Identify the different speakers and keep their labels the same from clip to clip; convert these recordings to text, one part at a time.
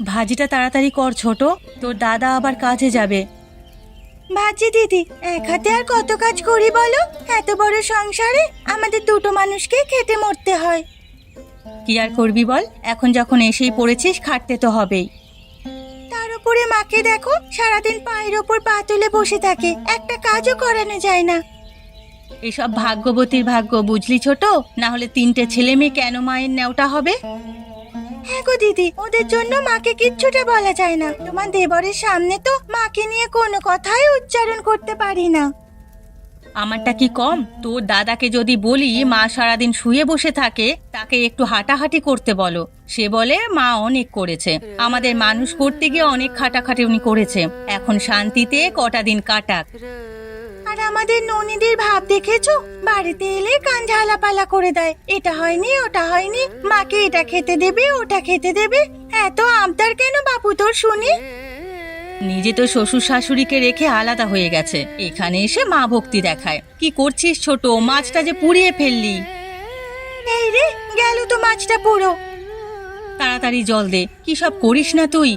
Speaker 1: ভাজিটা তাড়াতাড়ি কর ছোট, তোর দাদা আবার কাজে যাবে। ভাজি দিদি, এক হাতে আর কত কাজ করি বলো? এত বড় সংসারে আমাদের দুটো মানুষকে খেতে মরতে হয়। কি আর করবি বল, এখন যখন এসেই পড়েছিস খাটতে তো হবেই। তার উপরে মাকে দেখো, সারাদিন পায়ের ওপর পা তুলে বসে থাকে, একটা কাজও করানো যায় না। এসব ভাগ্যবতীর ভাগ্য বুঝলি ছোট, না হলে 3টে ছেলে মেয়ে কেন মায়ের নেওটা হবে? হ্যাঁ গো দিদি, ওদের জন্য মাকে কিচ্ছুটা বলা যায় না। তোমার দেবরের সামনে তো মাকে নিয়ে কোনো কথাই উচ্চারণ করতে পারি না। আমারটা কি কম? তোর দাদাকে যদি বলি মা সারাদিন শুয়ে বসে থাকে, তাকে একটু হাঁটাহাঁটি করতে বলো। সে বলে মা অনেক করেছে, আমাদের মানুষ করতে গিয়ে অনেক খাটাখাটি উনি করেছে, এখন শান্তিতে কটা দিন কাটাক। আর আমাদের ননীদের ভাব দেখেছো? বাড়িতে এলে কান ঝালাপালা করে দেয়, এটা হয়নি ওটা হয়নি, মাকে এটা খেতে দেবে ওটা খেতে দেবে। এত আবদার কেন বাপু তোর শুনি? নিজে তো শ্বশুর শাশুড়িকে রেখে আলাদা হয়ে গেছে, এখানে এসে মা ভক্তি দেখায়। কি করছিস ছোট? মাছটা যে পুড়িয়ে ফেললি। এই রে, গেল তো মাছটা পুরো। তাড়াতাড়ি জল দে, কি সব করিস না তুই?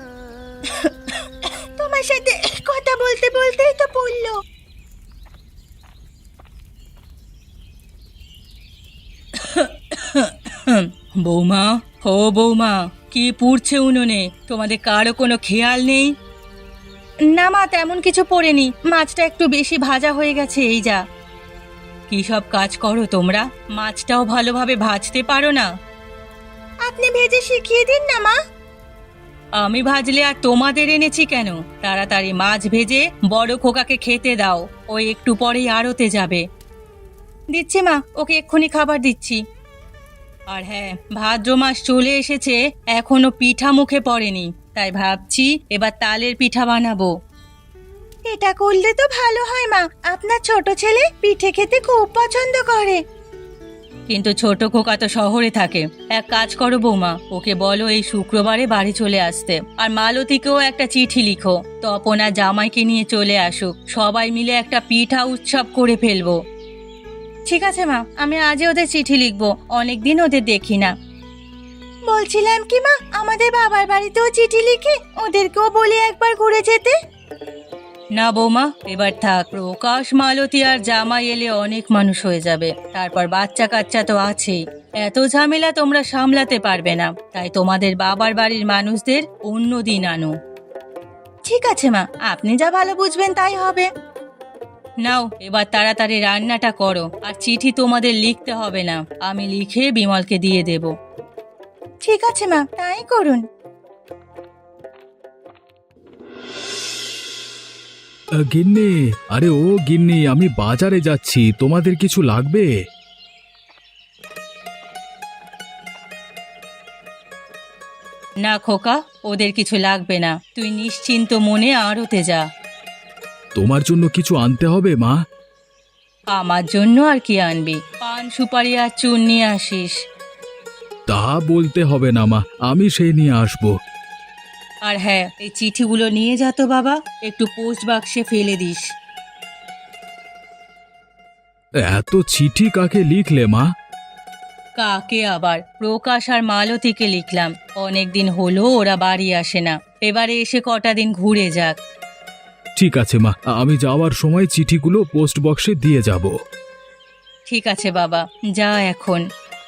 Speaker 1: তোমার সাথে কথা বলতে বলতেই তো পড়লো। বৌমা, ও বৌমা, কি পুড়ছে উনুনে? তোমাদের কারো কোনো খেয়াল নেই? না মা, তেমন কিছু পড়েনি, মাছটা একটু বেশি ভাজা হয়ে গেছে এই যা। কি সব কাজ করো তোমরা? মাছটাও ভালোভাবে ভাজতে পারো না? আপনি ভেজে শিখিয়ে দিন না মা। আমি ভাজলে আর তোমাদের এনেছি কেন? তাড়াতাড়ি মাছ ভেজে বড় খোকাকে খেতে দাও, ও একটু পরেই আড়তে যাবে। দিচ্ছি মা, ওকে এক্ষুনি খাবার দিচ্ছি। আর হ্যাঁ, ভাদ্র মাস চলে এসেছে, এখনো পিঠা মুখে পড়েনি, তাই ভাবছি এবার তালের পিঠা বানাবো। এটা করলে তো ভালো হয় মা, আপনার ছোট ছেলে পিঠে খেতে খুব পছন্দ করে। কিন্তু ছোট খোকা তো শহরে থাকে। এক কাজ করো বৌমা, ওকে বলো এই শুক্রবারে বাড়ি চলে আসতে, আর মালতীকেও একটা চিঠি লিখো, তপন আর জামাইকে নিয়ে চলে আসুক, সবাই মিলে একটা পিঠা উৎসব করে ফেলবো। ঠিক আছে মা, আমি আজই ওদের চিঠি লিখবো, অনেকদিন ওদের দেখি না। বলছিলাম কি মা, আমাদের বাবার বাড়িতেও চিঠি লিখে ওদেরকেও বলি একবার ঘুরে যেতে। না বৌমা, এবার থাক। প্রকাশ, মালতী আর জামাই এলে অনেক মানুষ হয়ে যাবে, তারপর বাচ্চা কাচ্চা তো আছেই, এত ঝামেলা তোমরা সামলাতে পারবে না, তাই তোমাদের বাবার বাড়ির মানুষদের অন্য দিন আনো। ঠিক আছে মা, আপনি যা ভালো বুঝবেন তাই হবে। নাও এবার তাড়াতাড়ি রান্নাটা করো, আর চিঠি তোমাদের লিখতে হবে না, আমি লিখে বিমলকে দিয়ে দেব। ঠিক আছে মা, তাই করুন।
Speaker 2: গিন্নি, আরে ও গিন্নি, আমি বাজারে যাচ্ছি, তোমাদের কিছু লাগবে?
Speaker 1: না খোকা, ওদের কিছু লাগবে না, তুই নিশ্চিন্ত মনে আড়তে যা।
Speaker 2: তোমার জন্য কিছু আনতে হবে মা?
Speaker 1: আমার জন্য আর কি আনবি? পান সুপারি আর চুন নিয়ে আসিস।
Speaker 2: তা বলতে হবে না মা, আমি সেই নিয়ে আসবো।
Speaker 1: আর হ্যাঁ, এই চিঠিগুলো নিয়ে যা তো বাবা, একটু পোস্ট বাক্সে ফেলে দিস।
Speaker 2: এত চিঠি কাকে লিখলে মা?
Speaker 1: কাকে আবার, প্রকাশ আর মালতীকে লিখলাম, অনেকদিন হলো ওরা বাড়ি আসে না, এবারে এসে কটা দিন ঘুরে যাক।
Speaker 2: ঠিক আছে মা, আমি যাওয়ার সময় চিঠিগুলো পোস্ট বক্সে দিয়ে যাব।
Speaker 1: ঠিক আছে বাবা, যা এখন।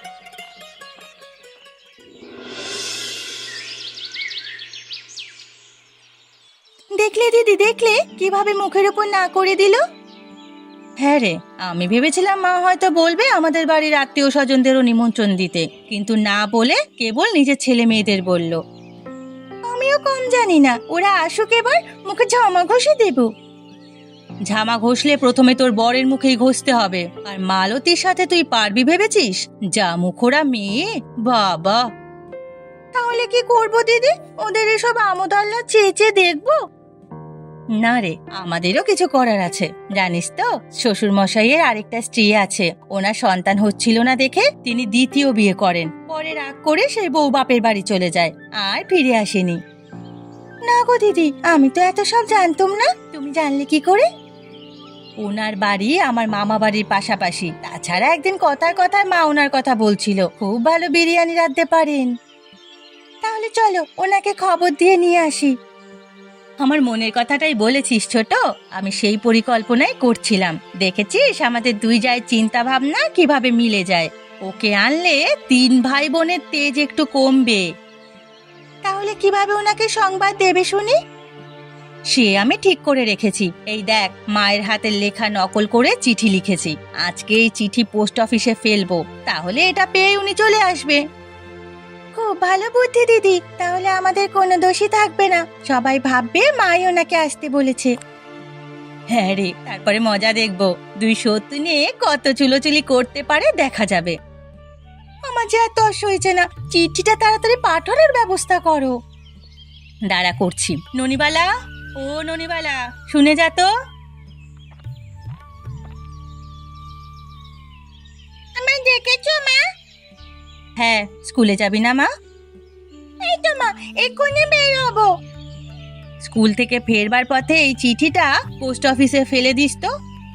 Speaker 1: দেখলে দিদি, দেখলে কিভাবে মুখের উপর না করে দিল? হ্যাঁ রে, আমি ভেবেছিলাম মা হয়তো বলবে আমাদের বাড়ির আত্মীয় স্বজনদেরও নিমন্ত্রণ দিতে, কিন্তু না বলে কেবল নিজের ছেলে মেয়েদের বলল। আমিও কম জানি না, ওরা আসুক, এবার মুখে ঝামা ঘষে দেব। ঝামা ঘষলে প্রথমে তোর বরের মুখেই ঘষতে হবে, আর মালতীর সাথে তুই পারবি ভেবেছিস? যা মুখোরা মেয়ে, বাবা। তাহলে কি করব দিদি? ওদের এসব আমোদ আল্লাহ চেয়ে চেয়ে দেখবো? না রে, আমাদেরও কিছু করার আছে, জানিস তো শ্বশুর মশাইয়ের আরেকটা স্ত্রী আছে, ওনার সন্তান হচ্ছিল না দেখে তিনি দ্বিতীয় বিয়ে করেন, পরে রাগ করে সেই বউ বাপের বাড়ি চলে যায়, আর ফিরে আসেনি। না গো দিদি, আমি তো এত সব জানতাম না, তুমি জানলে কি করে? ওনার বাড়ি আমার মামা বাড়ির পাশাপাশি, তাছাড়া একদিন কথায় কথায় মা ওনার কথা বলছিল, খুব ভালো বিরিয়ানি রাঁধতে পারেন। তাহলে তাহলে চলো ওনাকে খবর দিয়ে নিয়ে আসি। আমার মনের কথাটাই বলেছিস ছোট, আমি সেই পরিকল্পনাই করছিলাম। দেখেছিস আমাদের দুই জায়ের চিন্তা ভাবনা কিভাবে মিলে যায়। ওকে আনলে তিন ভাই বোনের তেজ একটু কমবে। তাহলে কিভাবে ওনাকে সংবাদ দেবে শুনি? সে আমি ঠিক করে রেখেছি। এই দেখ, মায়ের হাতের লেখা নকল করে চিঠি লিখেছি। আজকে এই চিঠি পোস্ট অফিসে ফেলবো, তাহলে এটা পেয়ে উনি চলে আসবে। খুব ভালো বুদ্ধি দিদি, তাহলে আমাদের কোনো দোষই থাকবে না। সবাই ভাববে মাই ওনাকে আসতে বলেছে। হ্যাঁ রে, তারপরে মজা দেখবো দুই শত্রু নিয়ে কত চুলোচুলি করতে পারে দেখা যাবে। আমার যে এত তস হয়েছে না, চিঠিটা তাড়াতাড়ি পাঠানোর ব্যবস্থা করো। দাঁড়া করছি। ননিবালা, ও ননিবালা, শুনে যা তো। আমায় ডেকেছো মা? হ্যাঁ, স্কুলে যাবি না মা? এই তো মা, এক্ষুনি বের হবো। স্কুল থেকে ফেরবার পথে এই চিঠিটা পোস্ট অফিসে ফেলে দিস তো।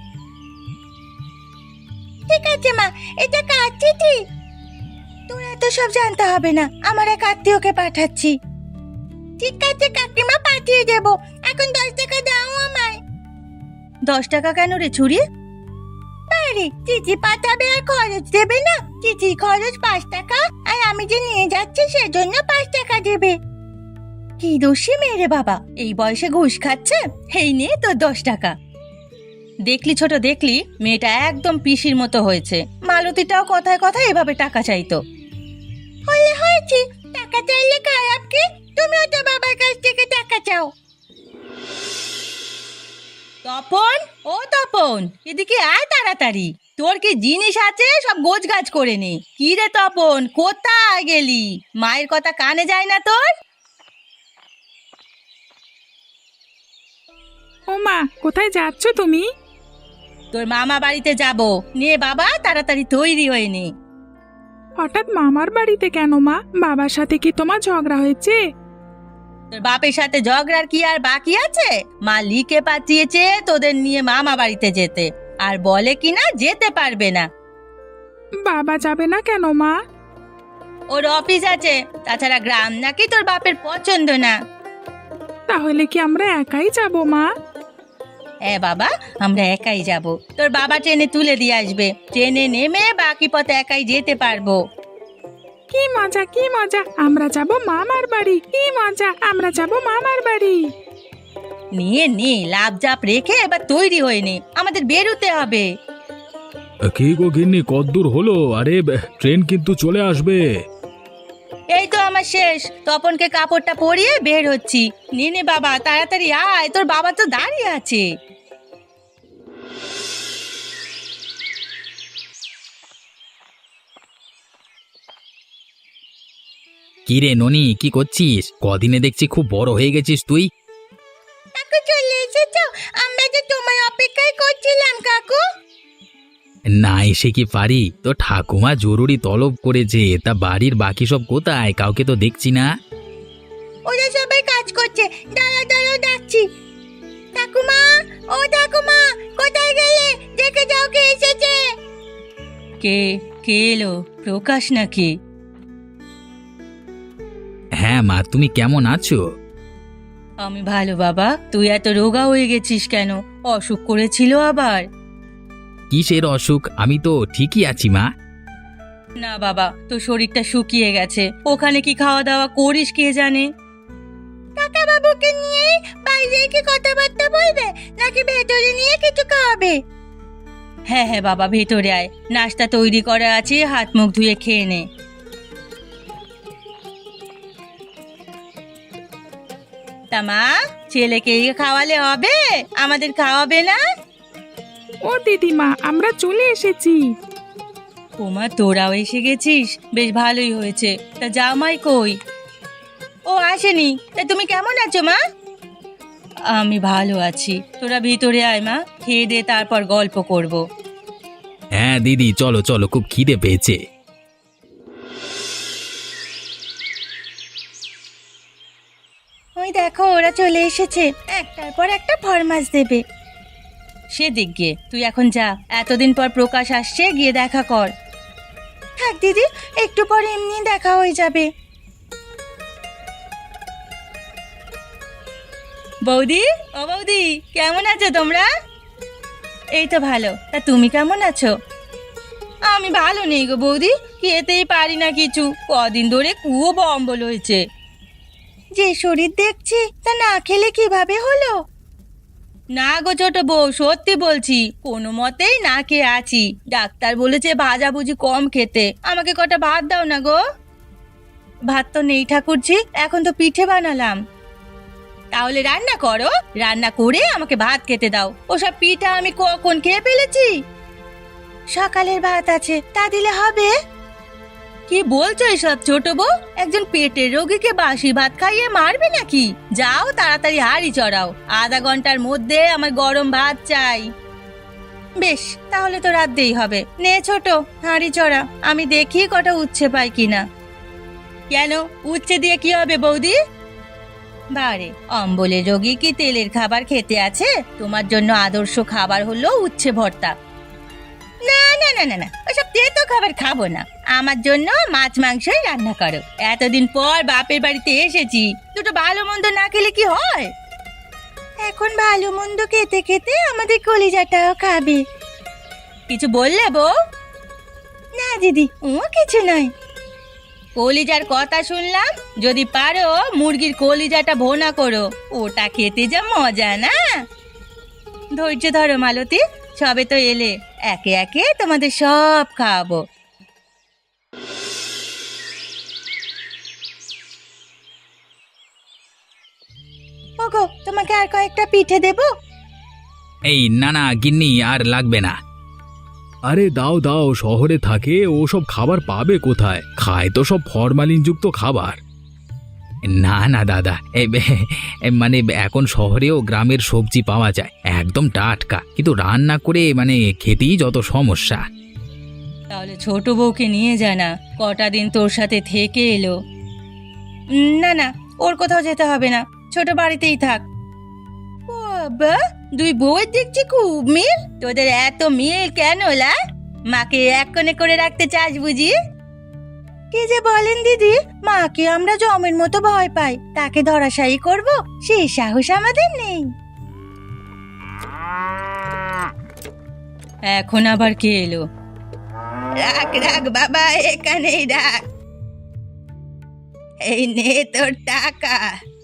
Speaker 1: ঠিক আছে মা, এটা কার চিঠি? তোর এত সব জানতে হবে না, আমার এক আত্মীয়কে পাঠাচ্ছি। ঠিক আছে কাকিমা, পাঠিয়ে দেবো। এখন 10 টাকা দাও আমায়। 10 টাকা কেন রে ছুরি? আরে চিঠি পাঠাবে আর খরচ দেবে না? চিঠি খরচ 5 টাকা, আর আমি যে নিয়ে যাচ্ছি সেজন্য 5 টাকা দেবে। কি দোষী মেয়ে রে বাবা, এই বয়সে ঘুষ খাচ্ছে। এই নে তোর 10 টাকা। দেখলি ছোট, দেখলি মেয়েটা একদম পিসির মতো হয়েছে। মালতীটাও কথায় কথায় এভাবে টাকা চাইতো। হলে হয়েছে, টাকা চাইলে খারাপ কি? তুমিও তো বাবার কাছ থেকে টাকা চাও। তপন, ও তপন, এদিকে আয় তাড়াতাড়ি। তোর কি জিনিস আছে সব গোছগাছ করে নে। কি রে তপন, কোথায় গেলি? মায়ের কথা কানে যায় না তোর?
Speaker 3: ও মা, কোথায় যাচ্ছ তুমি?
Speaker 1: তোর মামা বাড়িতে যাব। নে বাবা, তাড়াতাড়ি তৈরি হয়ে নে।
Speaker 3: হঠাৎ মামার বাড়িতে কেন মা? বাবার সাথে কি তোমার ঝগড়া হয়েছে?
Speaker 1: তোর বাপের সাথে ঝগড়ার কি আর বাকি আছে? মা লিখে পাঠিয়েছে তোদের নিয়ে মামা বাড়িতে যেতে, আর বলে কিনা যেতে পারবে না।
Speaker 3: বাবা যাবে না কেন মা?
Speaker 1: ওর অফিস আছে, তাছাড়া গ্রাম নাকি তোর বাপের পছন্দ না।
Speaker 3: তাহলে কি আমরা একাই যাব মা?
Speaker 1: হ্যাঁ বাবা, আমরা একাই যাব। তোর বাবা ট্রেনে তুলে দিয়ে আসবে। ট্রেনে নেমে বাকি পথে একাই যেতে পারবো।
Speaker 3: কি মজা, কি মজা, আমরা যাব মামার বাড়ি। কি মজা, আমরা যাব মামার বাড়ি।
Speaker 1: নিয়ে নে, লাভ জাপ রেখে এবার তৈরি হয়ে নে, আমাদের বেরোতে হবে।
Speaker 2: কি গো গিন্নি, কদ্দূর হলো? আরে ট্রেন কিন্তু চলে আসবে।
Speaker 1: এই তো আমার শেষ। তপনকে কাপড়টা পরিয়ে বের হচ্ছি। নে নে বাবা, তাড়াতাড়ি আয়, তোর বাবা তো দাঁড়িয়ে আছে।
Speaker 4: কি রে ননি, কি করছিস? কদিনে দেখছি খুব বড় হয়ে গেছিস তুই।
Speaker 1: কাকু চলে এসেছো? আমরা তো তোমার অপেক্ষায় করছিলাম কাকু।
Speaker 4: না এসে কি পারি? তো ঠাকুমা জরুরি তলব করেছে, তা বাড়ির বাকি সব কোথায়? কাউকে তো দেখছি না।
Speaker 1: ওরা সবাই কাজ করছে, দাঁড়া দাঁড়াও ডাকছি। ঠাকুমা, ও ঠাকুমা, কোথায় গেলে? দেখে যাও কে এসেছে। কে কে এলো? প্রকাশ নাকি?
Speaker 4: হ্যাঁ মা, তুমি কেমন আছো?
Speaker 1: আমি ভালো বাবা। তুই এত রোগা হয়ে গেছিস কেন? অসুখ করেছিল আবার?
Speaker 4: কিসের অসুখ? আমি তো ঠিকই আছি মা।
Speaker 1: না বাবা, তোর শরীরটা শুকিয়ে গেছে। ওখানে কি খাওয়া দাওয়া করিস কে জানে। কাকা বাবুকে নিয়ে বাইরে কি কথাবার্তা বলবে, নাকি ভেতরে নিয়ে কিছু খাওয়াবে? হ্যাঁ হ্যাঁ বাবা, ভেতরে আয়, নাস্তা তৈরি করা আছে, হাত মুখ ধুয়ে খেয়ে নে। তা মা, ছেলেকে খাওয়ালে হবে, আমাদের খাওয়াবে না?
Speaker 3: ও দিদিমা, আমরা চলে এসেছি।
Speaker 1: ওমা, তোরাও এসে গেছিস, বেশ ভালোই হয়েছে। তা জামাই কই? ও আসেনি। তা তুমি কেমন আছো মা? আমি ভালো আছি। তোরা ভিতরে আয় মা, খেয়ে দে, তারপর গল্প করব।
Speaker 4: হ্যাঁ দিদি, চলো চলো, খুব খিদে পেয়েছে।
Speaker 1: ওই দেখো ওরা চলে এসেছে, একটার পর একটা ফরমাস দেবে। সে দিক গিয়ে তুই এখন যা, এতদিন পর প্রকাশ আসছে, গিয়ে দেখা কর। থাক দিদি, একটু পর এমনি দেখা হয়ে যাবে। বৌদি, ও বৌদি, কেমন আছো তোমরা? এই তো ভালো। তা তুমি কেমন আছো? আমি ভালো নেই গো বৌদি, খেতেই পারি না কিছু। কদিন ধরে খুব অম্বল হয়েছে। যে শরীর দেখছি তা না খেলে কিভাবে হলো? না গো ছোট বউ, সত্যি বলছি, কোনো মতেই না খেয়ে আছি। ডাক্তার বলেছে ভাজাভুজি কম খেতে। আমাকে কটা ভাত দাও না গো। ভাত তো নেই ঠাকুরজি, এখন তো পিঠে বানালাম। তাহলে রান্না করো, রান্না করে আমাকে ভাত খেতে দাও। ওসব পিঠা আমি কখন খেয়ে ফেলেছি? সকালের ভাত আছে, তা দিলে হবে? কি বলছো এসব ছোট বউ? একজন পেটের রোগীকে বাসি ভাত খাইয়ে মারবে নাকি? যাও তাড়াতাড়ি হাঁড়ি চড়াও, আধা ঘন্টার মধ্যে আমার গরম ভাত চাই। বেশ, তাহলে তো রাঁধতেই হবে। নে ছোট, হাঁড়ি চড়া, আমি দেখি কটা উচ্ছে পাই কিনা। কেন, উচ্ছে দিয়ে কি হবে বৌদি? বারে, অম্বলের রোগী কি তেলের খাবার খেতে আছে? তোমার জন্য আদর্শ খাবার হলো উচ্ছে ভর্তা। না না না না না, ওসব তেতো খাবার খাবো না। আমার জন্য মাছ মাংসই রান্না করো। এতদিন পর বাপের বাড়িতে এসেছি, দুটো ভালো মন্দ না খেলে কি হয়? এখন ভালো মন্দ খেতে খেতে আমাদের কলিজাটাও খাবে। কিছু বললে বউ? না দিদি, ও কিছু নয়। কলিজার কথা শুনলাম। যদি পারো মুরগির কলিজাটা ভোনা করো, ওটা খেতে যা মজা না। ধৈর্য ধরো মালতী, সবে তো এলে, একে একে তোমাদের সব খাওয়াবো। ওগো, তোমাকে আর কয়েকটা পিঠে দেবো?
Speaker 4: এই না না গিন্নি, আর লাগবে না।
Speaker 2: আরে দাও দাও, শহরে থাকে ওসব খাবার পাবে কোথায়? খায় তো সব ফরমালিনযুক্ত খাবার।
Speaker 4: না না দাদা, মানে এখন শহরেও গ্রামের সবজি পাওয়া যায়, একদম টাটকা, কিন্তু রান্না করে মানে খেতেই যত সমস্যা।
Speaker 1: তাহলে ছোট বউকে নিয়ে যায় না, কটা দিন তোর সাথে থেকে এলো। না না, ওর কোথাও যেতে হবে না, ছোট বাড়িতেই থাক। বাবা, দুই বউয়ের দেখছি খুব মিল। তোদের এত মিল কেন লা? মাকে এক কোণে করে রাখতে চাস বুঝি? কি যে বলেন দিদি, মাকে আমরা জমের মতো ভয় পাই, তাকে ধরাশায়ী করব সেই সাহস আমাদের নেই। এখন আবার কে এলো? রাখ রাখ বাবা, এখানেই রাখ। এই নে তোর টাকা।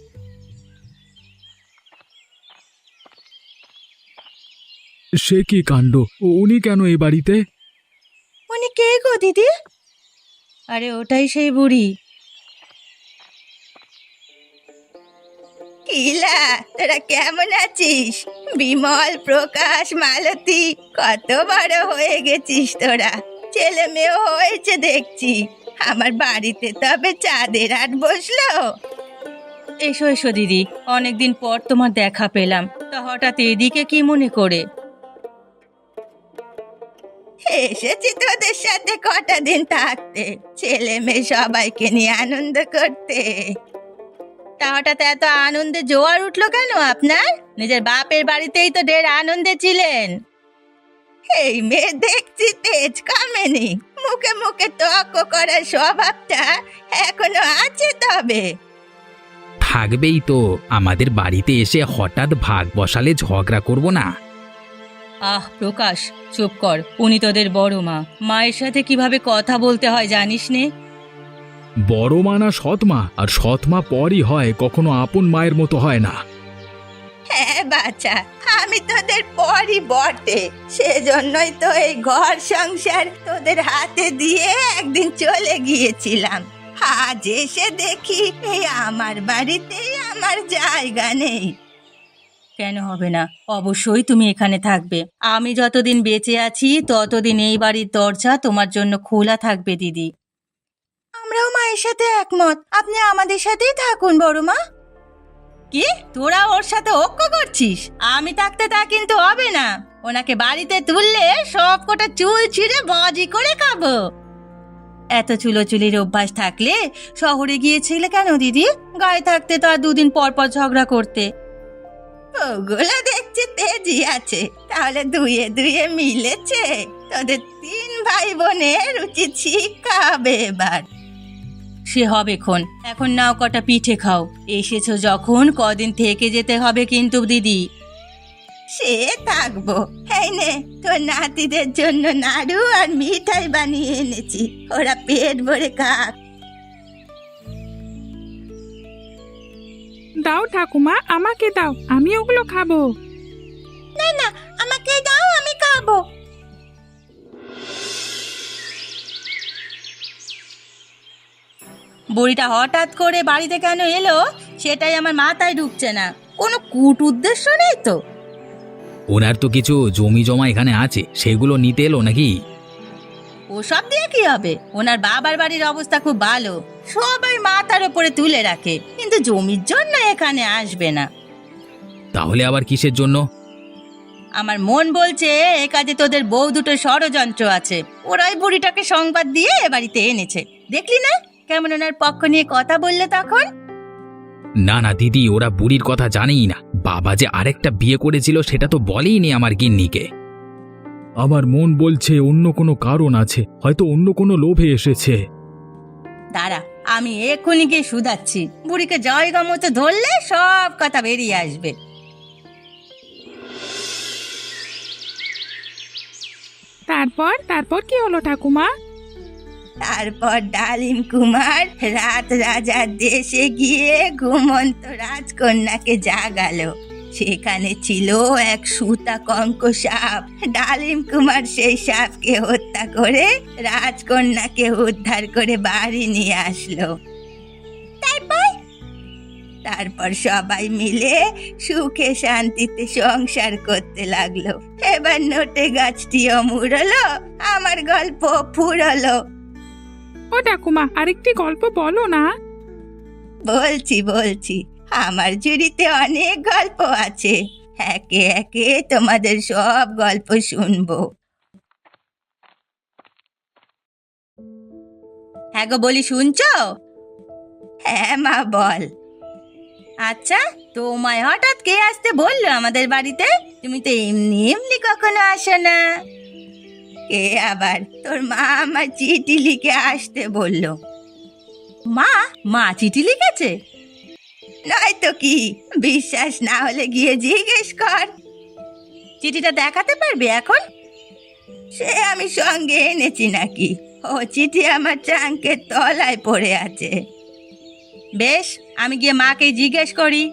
Speaker 2: সে কি কাণ্ড! উনি কেন এই বাড়িতে?
Speaker 1: উনি কে গো দিদি? আরে ওটাই সেই বুড়ি। কিলা, তোরা কেমন আছিস? বিমল, প্রকাশ, মালতী, কত বড় হয়ে গেছিস তোরা। ছেলে মেয়েও হয়েছে দেখছি। আমার বাড়িতে তবে চাঁদের হাট বসলো। এসো এসো দিদি, অনেকদিন পর তোমার দেখা পেলাম। তা হঠাৎ এদিকে কি মনে করে? এসেছি তোদের সাথে কটা দিন থাকতে, ছেলে মেয়ে সবাইকে নিয়ে আনন্দ করতে। তা হঠাৎ এত আনন্দে জোয়ার উঠলো কেন আপনার? নিজের বাপের বাড়িতেই তো ঢের আনন্দে ছিলেন। এই মেয়ে দেখছি তেজ কমেনি, মুখে মুখে তর্ক করার স্বভাবটা এখনো আছে। তবে
Speaker 4: থাকবেই তো, আমাদের বাড়িতে এসে হঠাৎ ভাগ বসালে ঝগড়া করব না।
Speaker 1: আহ প্রকাশ, চুপ কর। উনি তোদের বড় মা, মায়ের সাথে কিভাবে কথা বলতে হয় জানিস নে?
Speaker 2: বড় মা না সৎমা, আর সৎমা পরই হয়, কখনো আপন মায়ের মতো হয় না।
Speaker 1: হ্যাঁ বাচ্চা, আমি তোদের পরই বটে, সেজন্যই তো এই ঘর সংসার তোদের হাতে দিয়ে একদিন চলে গিয়েছিলাম। আজ এসে দেখি এই আমার বাড়িতেই আমার জায়গা নেই। কেন হবে না? অবশ্যই তুমি এখানে থাকবে। আমি যতদিন বেঁচে আছি ততদিন এই বাড়ির দরজা তোমার জন্য খোলা থাকবে দিদি। আমরাও মায়ের সাথে একমত, আপনি আমাদের সাথেই থাকুন বড় মা। কি, তোরা ওর সাথে ঐক্য করছিস? আমি থাকতে তা কিন্তু হবে না। ওনাকে বাড়িতে তুললে সব কটা চুল ছিঁড়ে বাজি করে খাবো। এত চুলোচুলির অভ্যাস থাকলে শহরে গিয়েছিলে কেন দিদি? গায়ে থাকতে তো আর দুদিন পর পর ঝগড়া করতে। ওগুলো দেখছি তেজি আছে, তাহলে দুয়ে দুয়ে মিলেছে। তোদের তিন ভাই বোনের উচিত শিক্ষা হবে এবার। সে হবে খন। এখন নাও কটা পিঠে খাও। এসেছো যখন কদিন থেকে যেতে হবে কিন্তু দিদি। সে থাকবো। এই নে তোর নাতিদের জন্য নাড়ু আর মিঠাই বানিয়ে এনেছি, ওরা পেট ভরে খাক।
Speaker 3: দাও ঠাকুমা, আমাকে দাও, আমি ওগুলো খাবো।
Speaker 1: না না, আমাকে দাও, আমি খাবো। বুড়িটা হঠাৎ করে বাড়িতে কেন এলো সেটাই আমার মাথায় ঢুকছে না। কোনো কূট উদ্দেশ্য নেই তো?
Speaker 4: ওনার তো কিছু জমি জমা এখানে আছে, সেগুলো নিতে এলো নাকি?
Speaker 1: ওসব দিয়ে কি হবে? ওনার বাবার বাড়ির অবস্থা খুব ভালো, সবাই মাথার উপরে তুলে রাখে, কিন্তু জমির জন্য এখানে আসবে না।
Speaker 4: তাহলে আবার কিসের জন্য?
Speaker 1: আমার মন বলছে এ কাজে তোদের বউ দুটো ষড়যন্ত্র আছে। ওরাই বুড়িটাকে সংবাদ দিয়ে এ বাড়িতে এনেছে। দেখলি না কেমন ওনার পক্ষ নিয়ে কথা বললে তখন?
Speaker 4: না না দিদি, ওরা বুড়ির কথা জানেই না। বাবা যে আরেকটা বিয়ে করেছিল সেটা তো বলেইনি আমার গিন্নিকে।
Speaker 2: আমার মন বলছে অন্য কোনো কারণ আছে, হয়তো অন্য কোনো লোভে এসেছে।
Speaker 1: দাঁড়া, আমি এক্ষুনি গিয়ে শুধাচ্ছি। বুড়িকে জায়গা মতো ধরলে সব কথা বেরিয়ে আসবে।
Speaker 3: তারপর তারপর কি হলো ঠাকুমা?
Speaker 1: তারপর ডালিম কুমার রাত রাজার দেশে গিয়ে ঘুমন্ত রাজকন্যাকে জাগালো। সেখানে ছিল এক সুতা কঙ্ক সাপ। ডালিম কুমার সেই সাপকে হত্যা করে রাজকন্যাকে উদ্ধার করে বাড়ি নিয়ে আসলো। তারপর সবাই মিলে সুখে শান্তিতে সংসার করতে লাগলো। এবার নোটে গাছটিও মুড়লো, আমার গল্প ফুরলো।
Speaker 3: ও ঠাকুমা, আরেকটি গল্প বলো না।
Speaker 1: বলছি, আমার ঝুড়িতে অনেক গল্প আছে। একে একে তোমাদের সব গল্প শুনবো। হ্যাঁ গো, বলি শুনছো? হ্যাঁ মা, বল। আচ্ছা, তোমায় হঠাৎ কে আসতে বললো আমাদের বাড়িতে? তুমি তো এমনি এমনি কখনো আসো না। কে আবার? তোর মা আমার চিঠি লিখে আসতে বললো। মা চিঠি লিখেছে? নয়তো কি, বিশ্বাস না হলে গিয়ে জিজ্ঞেস কর। চিঠিটা দেখাতে পারবে এখন? সে আমি সঙ্গে এনেছি নাকি? ও চিঠি আমার ট্রাঙ্কের তলায় পড়ে আছে। বেশ, আমি গিয়ে মাকে জিজ্ঞেস করি।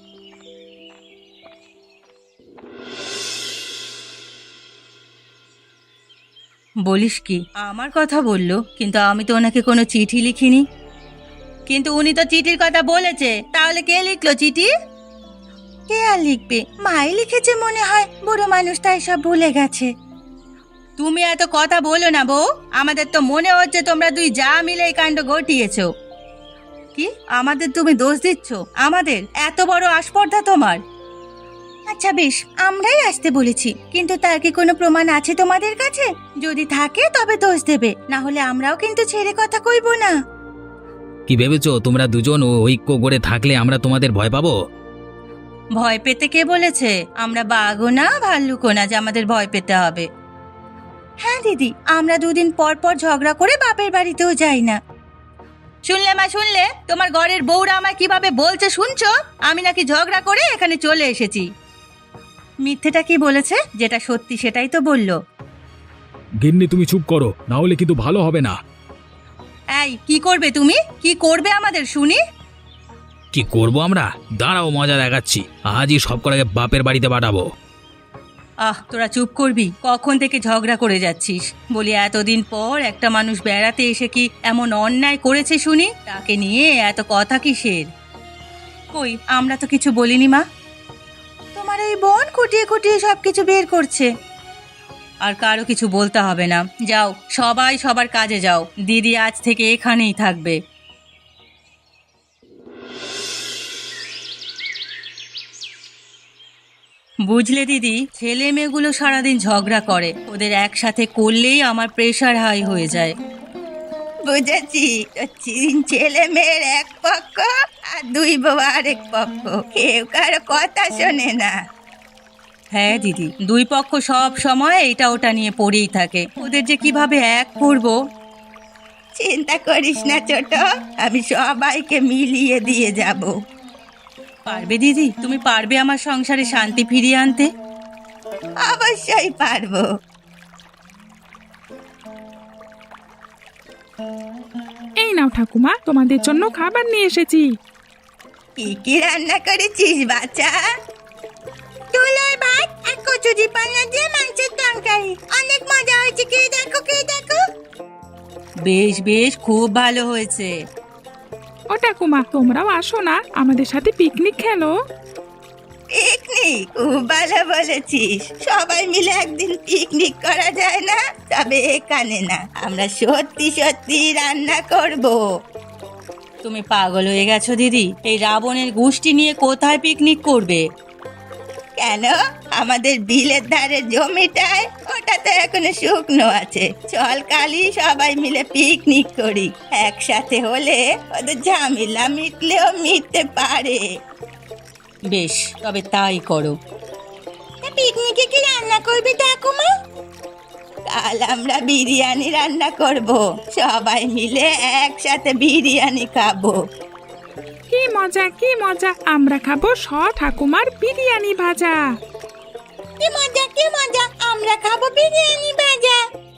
Speaker 1: বলিস কি, আমার কথা বললো, কিন্তু আমি তো ওনাকে কোনো চিঠি লিখিনি। কিন্তু উনি তো চিঠির কথা বলেছে, তাহলে কে লিখলো চিঠি? কে আর লিখবে, মাই লিখেছে মনে হয়। বুড়ো মানুষ তাই সব ভুলে গেছে। তুমি এত কথা বলো না বউ, আমাদের তো মনে হচ্ছে তোমরা দুই যা মিলে এই কাণ্ড ঘটিয়েছো। কি আমাদের তুমি দোষ দিচ্ছ? আমাদের এত বড় আস্পর্ধা তোমার? আচ্ছা বেশ, আমরাই আসতে বলেছি, কিন্তু তার কি কোনো প্রমাণ আছে তোমাদের কাছে? যদি থাকে তবে দোষ দেবে, না হলে আমরাও কিন্তু ছেড়ে কথা কইব না।
Speaker 4: কি ভেবেছো তোমরা দুজন ঐক্য করে থাকলে আমরা তোমাদের ভয় পাবো?
Speaker 1: ভয় পেতে কে বলেছে? আমরা বাঘও না ভাল্লুকও না যে আমাদের ভয় পেতে হবে। হ্যাঁ দিদি, আমরা দুদিন পর পর ঝগড়া করে বাপের বাড়িতেও যাই না। শুনলে মা, শুনলে তোমার ঘরের বউরা আমায় কিভাবে বলছে শুনছো? আমি নাকি ঝগড়া করে এখানে চলে এসেছি। মিথ্যেটা কি বলেছে? যেটা সত্যি সেটাই তো বললো।
Speaker 2: গিন্নি তুমি চুপ করো, না হলে কিন্তু ভালো হবে না।
Speaker 1: এই কি করবে তুমি? কি করবে আমাদের শুনি?
Speaker 4: কি করব আমরা? দাঁড়াও, মজা দেখাচ্ছি। আজই সব কটাকে বাপের বাড়িতে পাঠাবো।
Speaker 1: তোরা চুপ করবি? কখন থেকে ঝগড়া করে যাচ্ছিস? বলি এতদিন পর একটা মানুষ বেড়াতে এসে কি এমন অন্যায় করেছে শুনি? তাকে নিয়ে এত কথা কিসের? কই, আমরা তো কিছু বলিনি মা। তোমার এই বোন খুঁটিয়ে খুঁটিয়ে সবকিছু বের করছে। আর কারো কিছু বলতে হবে না, যাও সবাই সবার কাজে যাও। দিদি আজ থেকে এখানেই থাকবে। বুঝলে দিদি, ছেলে মেয়েগুলো সারাদিন ঝগড়া করে, ওদের একসাথে করলেই আমার প্রেশার হাই হয়ে যায়। বুঝেছি, তিন ছেলে মেয়ের এক পক্ষ আর দুই বউ আরেক পক্ষ, কেউ কারো কথা শোনে না। হ্যাঁ দিদি, দুই পক্ষ সব সময় এটা ওটা নিয়ে পড়েই থাকে। ওদের যে কিভাবে এক করব। চিন্তা করিস না ছোট, আমি সবাইকে মিলিয়ে দিয়ে যাব। পারবে দিদি, তুমি পারবে আমার সংসারে শান্তি ফিরিয়ে আনতে? অবশ্যই পারবো।
Speaker 3: এই নাও ঠাকুমা, তোমাদের জন্য খাবার নিয়ে এসেছি।
Speaker 1: কি কি রান্না করেছিস বাচ্চা? তুলোর ভাত আর কচুরি পানা দিয়ে মাংসের তরকারি, অনেক মজা হয়েছে। কে দেখো, কে দেখো। বেশ বেশ, খুব ভালো হয়েছে।
Speaker 3: ও ঠাকুমা, তোমরাও আসো না, আমাদের সাথে পিকনিক খেলো।
Speaker 1: পিকনিক? খুব ভালো বলেছিস। সবাই মিলে একদিন পিকনিক করা যায় না? তবে এখানে না, আমরা সত্যি সত্যি রান্না করব। তুমি পাগল হয়ে গেছো দিদি, এই রাবণের গোষ্ঠী নিয়ে কোথায় পিকনিক করবে? কেন, আমাদের বিলের ধারে জমিটায়, ওটা তো এখনো শুকনো আছে। চল কালই সবাই মিলে পিকনিক করি। একসাথে হলে ওদের ঝামেলা মিটলেও মিটতে পারে। বেশ, তবে তাই করো। পিকনিকে কি রান্না করবে ঠাকুমা? কাল আমরা বিরিয়ানি রান্না করব, সবাই মিলে একসাথে বিরিয়ানি খাবো।
Speaker 3: কি মজা, কি মজা, আমরা খাবো ঠাকুমার বিরিয়ানি ভাজা।
Speaker 1: কি মজা, কি মজা, আমরা খাবো বিরিয়ানি ভাজা।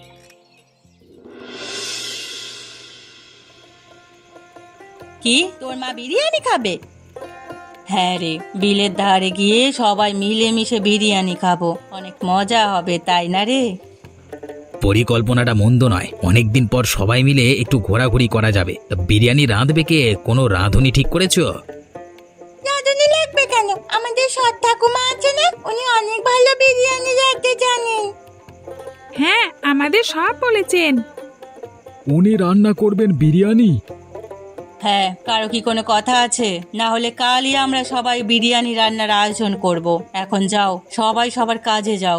Speaker 1: কি, তোর মা বিরিয়ানি খাবে? হ্যাঁ রে, বিলের ধারে গিয়ে সবাই মিলেমিশে বিরিয়ানি খাবো, অনেক মজা হবে, তাই না রে?
Speaker 4: পরিকল্পনাটা মন্দ নয়, অনেকদিন পর সবাই মিলে একটু ঘোরাঘুরি করা যাবে। তা বিরিয়ানি রাঁধবে কে? কোনো রাঁধুনি ঠিক করেছো?
Speaker 1: রাঁধুনি লাগবে কেন? আমাদের সৎ ঠাকুমা আছে না, উনি অনেক ভালো বিরিয়ানি রাঁধতে জানেন।
Speaker 3: হ্যাঁ, আমাদের সব বলেছেন।
Speaker 2: উনি রান্না করবেন বিরিয়ানি?
Speaker 1: হ্যাঁ, কারো কি কোনো কথা আছে? না হলে কালই আমরা সবাই বিরিয়ানি রান্নার আয়োজন করব। এখন যাও, সবাই সবার কাজে যাও।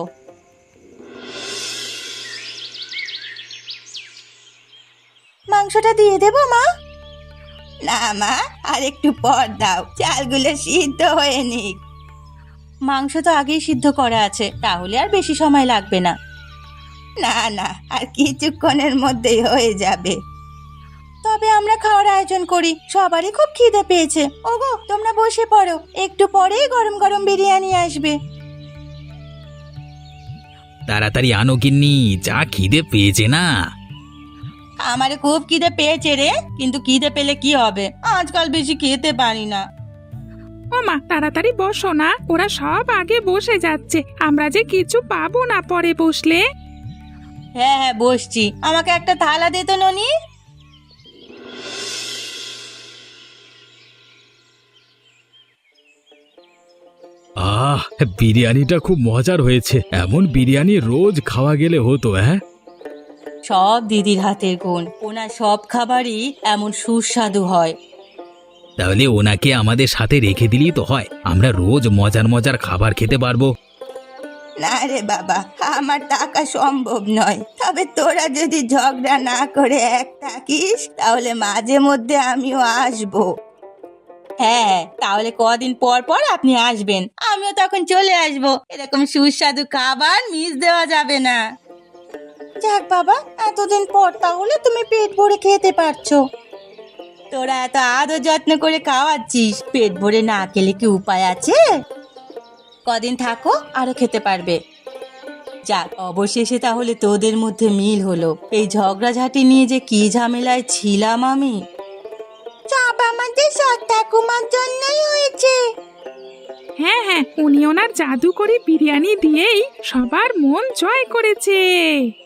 Speaker 1: মাংসটা দিয়ে দেবো মা? না মা, আর একটু পর দাও, চালগুলো সিদ্ধ হয়ে নিক। মাংস তো আগেই সিদ্ধ করা আছে, তাহলে আর বেশি সময় লাগবে না। না না, আর কিছুক্ষণের মধ্যেই হয়ে যাবে। তবে আমরা খাওয়ার আয়োজন করি, সবারই খুব খিদে পেয়েছে। ওগো, তোমরা বসে পড়ো, একটু পরেই গরম গরম বিরিয়ানি আসবে।
Speaker 4: তাড়াতাড়ি আনো গিন্নি, যা খিদে পেয়েছে না।
Speaker 1: আমারে খুব খিদে পেয়েছে রে, কিন্তু খিদে পেলে কি হবে, আজকাল বেশি খেতে পারি না।
Speaker 3: ও মা, তাড়াতাড়ি বসো না, ওরা সব আগে বসে যাচ্ছে, আমরা যে কিছু পাবো না পরে বসলে।
Speaker 1: হ্যাঁ হ্যাঁ, বসছি। আমাকে একটা থালা দে তো ননি।
Speaker 2: আহ, বিরিয়ানিটা খুব মজার হয়েছে। এমন বিরিয়ানি রোজ খাওয়া গেলে হতো। হ্যাঁ,
Speaker 1: সব দিদির হাতের গুণ, ওনার সব খাবারই এমন সুস্বাদু হয়।
Speaker 4: তাহলে ওনাকে আমাদের সাথে রেখে দিলেই তো হয়, আমরা রোজ মজার মজার খাবার খেতে পারবো।
Speaker 1: না রে বাবা, আমার টাকা সম্ভব নয়। তবে তোরা যদি ঝগড়া না করে এক থাকিস, তাহলে মাঝে মধ্যে আমিও আসবো। হ্যাঁ, তাহলে কদিন পর পর আপনি আসবেন, আমিও তখন চলে আসবো। এরকম সুস্বাদু খাবার মিস দেওয়া যাবে না। যাক বাবা, এতদিন পর তাহলে তুমি পেট ভরে খেতে পারছো। তোরা এত আদর যত্ন করে খাওয়াচ্ছিস, পেট ভরে না খেলে কি উপায় আছে? কদিন থাকো, আরো খেতে পারবে। যাক, অবশেষে তাহলে তোদের মধ্যে মিল হলো। এই ঝগড়াঝাটি নিয়ে যে কি ঝামেলায় ছিলাম আমি। সব আমাদের সৎ ঠাকুমার জন্যই হয়েছে।
Speaker 3: হ্যাঁ হ্যাঁ, উনি ওনার জাদু করে বিরিয়ানি দিয়েই সবার মন জয় করেছে।